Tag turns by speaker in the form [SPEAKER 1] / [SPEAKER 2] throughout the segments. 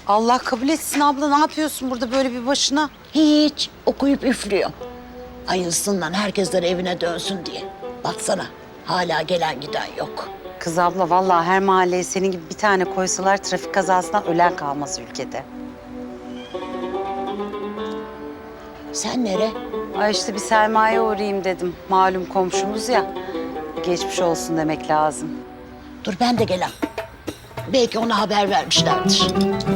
[SPEAKER 1] Allah kabul etsin abla. Ne yapıyorsun burada böyle bir başına?
[SPEAKER 2] Hiç okuyup üflüyor. Hayırlısından herkesler evine dönsün diye. Baksana hala gelen giden yok.
[SPEAKER 1] Kız abla vallahi her mahalleye senin gibi bir tane koysalar trafik kazasından ölen kalmaz ülkede.
[SPEAKER 2] Sen nere?
[SPEAKER 1] Ay işte bir Selma'ya uğrayayım dedim. Malum komşumuz ya. Geçmiş olsun demek lazım.
[SPEAKER 2] Dur ben de gelen. Belki ona haber vermişlerdir.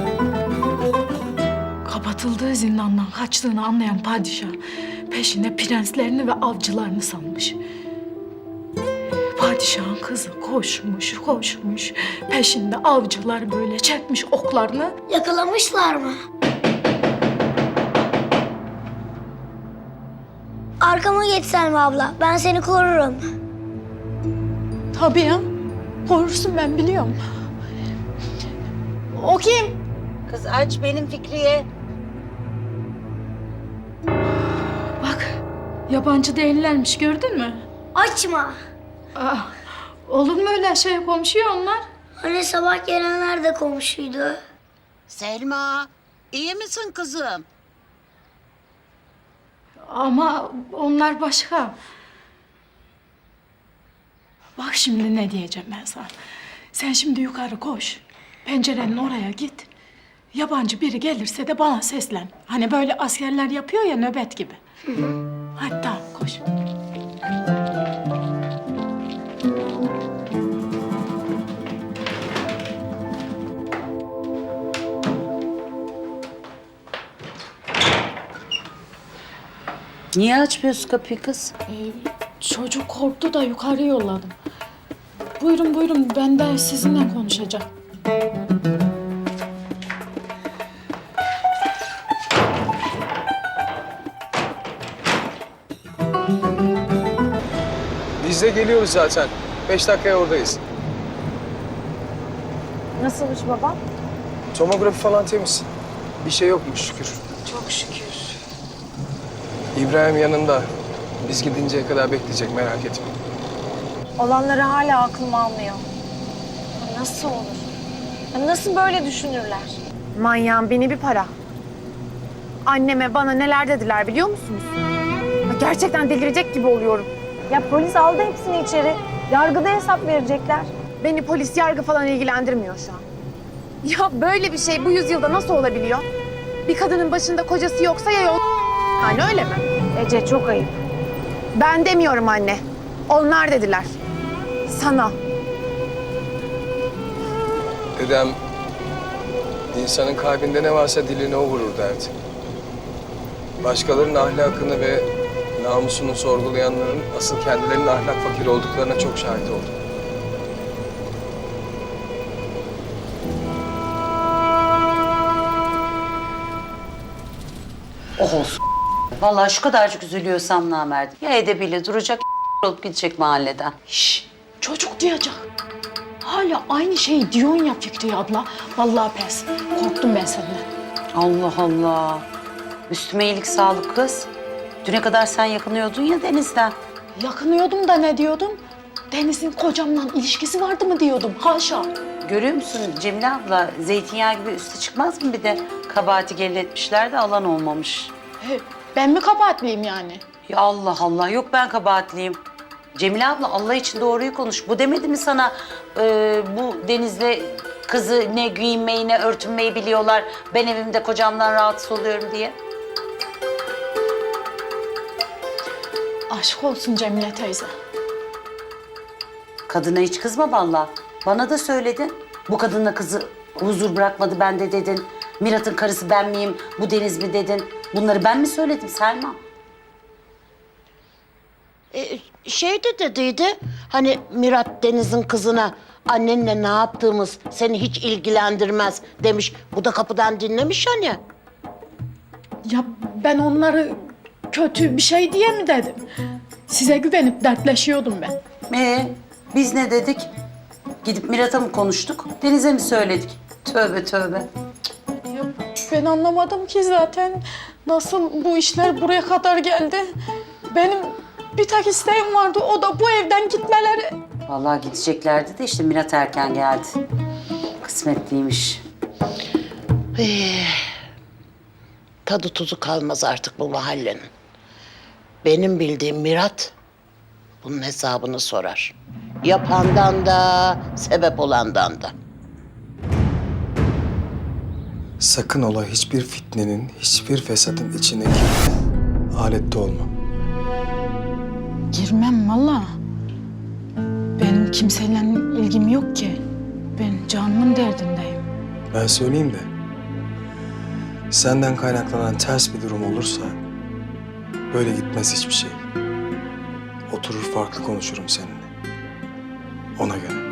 [SPEAKER 3] Kapatıldığı zindandan kaçtığını anlayan padişah peşine prenslerini ve avcılarını salmış. Padişahın kızı koşmuş peşinde avcılar böyle çekmiş oklarını.
[SPEAKER 4] Yakalamışlar mı? Arkama geç Selma abla. Ben seni korurum.
[SPEAKER 3] Tabii ya. Korursun ben biliyorum. O kim?
[SPEAKER 1] Kız aç benim Fikriye.
[SPEAKER 3] Bak yabancı değillermiş gördün mü?
[SPEAKER 4] Açma.
[SPEAKER 3] Aa, olur mu öyle şey komşu onlar?
[SPEAKER 4] Hani sabah gelenler de komşuydu.
[SPEAKER 2] Selma, iyi misin kızım?
[SPEAKER 3] Ama onlar başka. Bak şimdi ne diyeceğim ben sana. Sen şimdi yukarı koş. Pencerenin oraya git. Yabancı biri gelirse de bana seslen. Hani böyle askerler yapıyor ya nöbet gibi. Hadi tamam koş.
[SPEAKER 1] Niye açmıyorsun kapıyı kız?
[SPEAKER 3] Çocuk korktu da yukarı yolladım. Buyurun ben de sizinle konuşacağım.
[SPEAKER 5] Biz de geliyoruz zaten. 5 dakikaya oradayız.
[SPEAKER 6] Nasılmış babam?
[SPEAKER 5] Tomografi falan temiz. Bir şey yokmuş şükür.
[SPEAKER 6] Çok şükür.
[SPEAKER 5] İbrahim yanında. Biz gidinceye kadar bekleyecek, merak etme.
[SPEAKER 6] Olanları hala aklım almıyor. Nasıl olur? Nasıl böyle düşünürler? Manyağın bini bir para. Anneme bana neler dediler biliyor musunuz? Gerçekten delirecek gibi oluyorum. Ya polis aldı hepsini içeri. Yargıda hesap verecekler. Beni polis yargı falan ilgilendirmiyor şu an. Ya böyle bir şey bu yüzyılda nasıl olabiliyor? Bir kadının başında kocası yoksa ya yol... Yani öyle mi? Ece çok ayıp. Ben demiyorum anne. Onlar dediler. Sana.
[SPEAKER 5] Dedem, insanın kalbinde ne varsa diline o vurur derdi. Başkalarının ahlakını ve namusunu sorgulayanların asıl kendilerinin ahlak fakiri olduklarına çok şahit oldum.
[SPEAKER 1] Oh olsun. Vallahi şu kadarcık üzülüyorsam namerdim. Ya edebiyle duracak olup gidecek mahalleden.
[SPEAKER 3] Şşş, çocuk duyacak. Hala aynı şeyi diyorsun ya Fikriye abla. Vallahi pes. Korktum ben senden.
[SPEAKER 1] Allah Allah. Üstüme iyilik sağlık kız. Düne kadar sen yakınıyordun ya Deniz'den.
[SPEAKER 3] Yakınıyordum da ne diyordum? Deniz'in kocamla ilişkisi vardı mı diyordum. Haşa.
[SPEAKER 1] Görüyor musun Cemile abla? Zeytinyağı gibi üstü çıkmaz mı bir de? Kabahati gelin etmişler de alan olmamış.
[SPEAKER 3] Ben mi kabahatliyim yani?
[SPEAKER 1] Ya Allah Allah. Yok ben kabahatliyim. Cemile abla Allah için doğruyu konuş. Bu demedi mi sana bu Deniz'le kızı ne giyinmeyi ne örtünmeyi biliyorlar. Ben evimde kocamdan rahatsız oluyorum diye.
[SPEAKER 3] Aşk olsun Cemile teyze.
[SPEAKER 1] Kadına hiç kızma vallahi. Bana da söyledin. Bu kadınla kızı huzur bırakmadı bende dedin. Mirat'ın karısı ben miyim, bu Deniz mi dedin. Bunları ben mi söyledim Selma?
[SPEAKER 2] Şey de dediydi, hani Mirat Deniz'in kızına annenle ne yaptığımız seni hiç ilgilendirmez demiş. Bu da kapıdan dinlemiş hani.
[SPEAKER 3] Ya ben onları kötü bir şey diye mi dedim? Size güvenip dertleşiyordum ben.
[SPEAKER 1] Biz ne dedik? Gidip Mirat'a mı konuştuk, Deniz'e mi söyledik? Tövbe tövbe.
[SPEAKER 3] Ya ben anlamadım ki zaten nasıl bu işler buraya kadar geldi. Benim bir tek isteğim vardı, o da bu evden gitmeleri.
[SPEAKER 1] Vallahi gideceklerdi de işte Mirat erken geldi. Kısmetliymiş.
[SPEAKER 2] Tadı tuzu kalmaz artık bu mahallenin. Benim bildiğim Mirat bunun hesabını sorar. Yapandan da, sebep olandan da.
[SPEAKER 5] Sakın ola hiçbir fitnenin, hiçbir fesatın içine girme. Alette olma.
[SPEAKER 3] Girmem valla. Benim kimseyle ilgim yok ki. Ben canımın derdindeyim.
[SPEAKER 5] Ben söyleyeyim de, senden kaynaklanan ters bir durum olursa böyle gitmez hiçbir şey. Oturur farklı konuşurum seninle. Ona göre.